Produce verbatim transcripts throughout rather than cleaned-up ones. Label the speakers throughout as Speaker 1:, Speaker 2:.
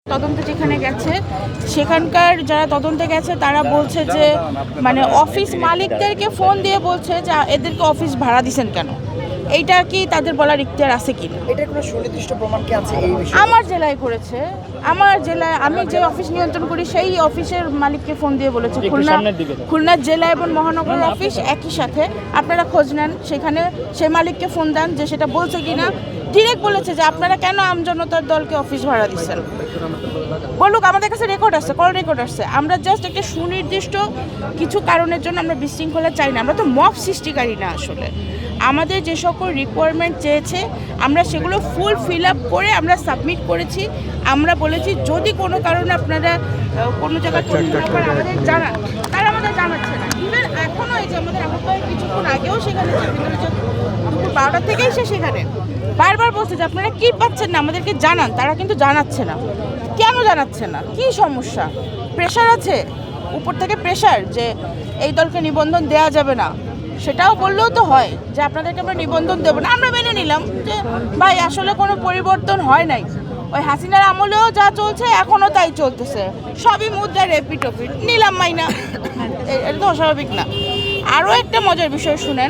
Speaker 1: তদন্ত যেখানে গেছে সেখানকার যারা তদন্তে গেছে তারা বলছে যে মানে অফিস মালিকদেরকে ফোন দিয়ে বলছে যে এদেরকে অফিস ভাড়া দিছেন কেন, এইটা কি তাদের বলার ইখতিয়ার আছে কি না?
Speaker 2: এটা কোনো সুনির্দিষ্ট প্রমাণ কি আছে এই বিষয়ে?
Speaker 1: আমার জেলায় করেছে, আমার জেলায় আমি যে অফিস নিয়ন্ত্রণ করি সেই অফিসের মালিককে ফোন দিয়ে বলেছে। খুলনা খুলনা জেলা এবং মহানগর অফিস একই সাথে, আপনারা খোঁজ নেন সেখানে সেই মালিককে ফোন দেন যে সেটা বলছে কি না। ডিরেক্ট বলেছে যে আপনারা কেন আমজনতার দলকে অফিস ভাড়া দিচ্ছেন, বলুক, আমাদের কাছে রেকর্ড আছে, কল রেকর্ড আছে। আমরা জাস্ট একটা সুনির্দিষ্ট কিছু কারণের জন্য আমরা বিশৃঙ্খলা চাই না, আমরা তো মব সৃষ্টিকারী না। আসলে আমাদের যে সকল রিকোয়ারমেন্ট চেয়েছে আমরা সেগুলো ফুল ফিল আপ করে আমরা সাবমিট করেছি। আমরা বলেছি যদি কোনো কারণে আপনারা কোনো জায়গায় আমাদের জানান, তারা আমাদের জানাচ্ছে না। ইভেন এখনও এই যে আমাদের আহ্বায়ক কিছুক্ষণ আগেও সেখানে দুপুর বারোটা থেকেই সে সেখানে বারবার বলছে যে আপনারা কী পাচ্ছেন না আমাদেরকে জানান, তারা কিন্তু জানাচ্ছে না। কেন জানাচ্ছে না? কি সমস্যা? প্রেশার আছে উপর থেকে, প্রেশার যে এই দলকে নিবন্ধন দেওয়া যাবে না, সেটাও বললেও তো হয় যে আপনাদেরকে আমরা নিবন্ধন দেবো না। আমরা মেনে নিলাম যে ভাই আসলে কোনো পরিবর্তন হয় নাই, ওই হাসিনার আমলেও যা চলছে এখনও তাই চলতেছে, সবই মুদ্রা রেপিট ওপিট নিলাম মাইনা, এটা তো অস্বাভাবিক না। আরও একটা মজার বিষয় শুনেন,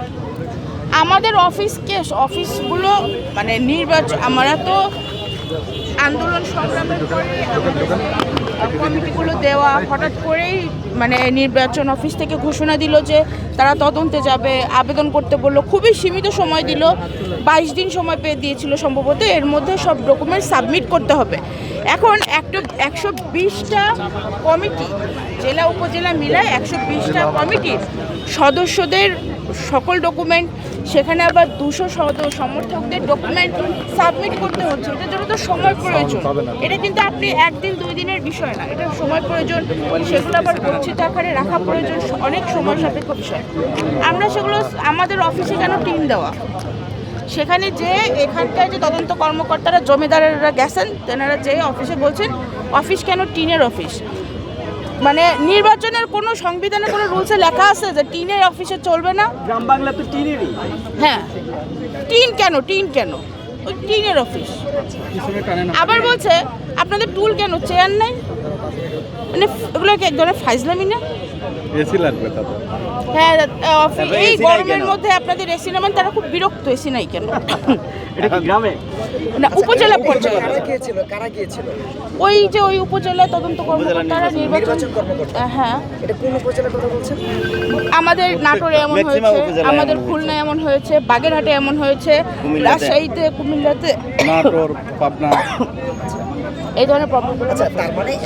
Speaker 1: আমাদের অফিসকে অফিসগুলো মানে নির্বাচন, আমরা তো আন্দোলন সংগ্রামের পরে কমিটিগুলো দেওয়া, হঠাৎ করেই মানে নির্বাচন অফিস থেকে ঘোষণা দিল যে তারা তদন্তে যাবে, আবেদন করতে বললো, খুবই সীমিত সময় দিল, বাইশ দিন সময় পেয়ে দিয়েছিল সম্ভবত, এর মধ্যে সব ডকুমেন্ট সাবমিট করতে হবে। এখন একটা একশো বিশটা কমিটি, জেলা উপজেলা মিলায় একশো বিশটা কমিটির সদস্যদের সকল ডকুমেন্ট, সেখানে আবার দুশো সমর্থকদের ডকুমেন্ট সাবমিট করতে হচ্ছে। এটার জন্য তো সময় প্রয়োজন, এটা কিন্তু আপনি একদিন দুই দিনের বিষয় না, এটা সময় প্রয়োজন, সেগুলো আবার গচ্ছিত আকারে রাখা প্রয়োজন, অনেক সময় সাপেক্ষ বিষয়। আমরা সেগুলো আমাদের অফিসে কেন টিম দেওয়া, সেখানে যে এখানকার যে তদন্ত কর্মকর্তারা জমিদারেরা গেছেন তেনারা যে অফিসে বলছেন অফিস কেন টিনের অফিস, মানে নির্বাচনের কোনো সংবিধানে কোনো রুলসে লেখা আছে যে টিনের অফিসে চলবে না?
Speaker 2: গ্রাম বাংলা তো টিনেরই।
Speaker 1: হ্যাঁ, টিন কেন, টিন কেন, ওই টিনের অফিস। আবার বলছে আপনাদের টুল কেন, চেয়ার নাই, মানে এগুলো কি এক ধরনের ফাইজলামি না?
Speaker 3: এসি লাগবে তাদের।
Speaker 1: হ্যাঁ, এই গরমের মধ্যে আপনাদের এসি নামান, তারা খুব বিরক্ত, এসি নাই কেন?
Speaker 2: এটা কি গ্রামে
Speaker 1: না, উপজেলা পর্যায়ে।
Speaker 2: কারা গিয়েছিল কারা গিয়েছিল
Speaker 1: ওই যে ওই উপজেলা তদন্ত কর্মকর্তারা নির্বাচন,
Speaker 2: কর্মকর্তা।
Speaker 1: হ্যাঁ,
Speaker 2: এটা কোন উপজেলার কথা বলছেন?
Speaker 1: আমাদের নাটোরে এমন হয়েছে, আমাদের খুলনায় এমন হয়েছে, বাগেরহাটে এমন হয়েছে, রাজশাহীতে, কুমিল্লাতে,
Speaker 3: নাটোর, পাবনা,
Speaker 1: এই ধরনের প্রবলেম।
Speaker 2: আচ্ছা, তার মানে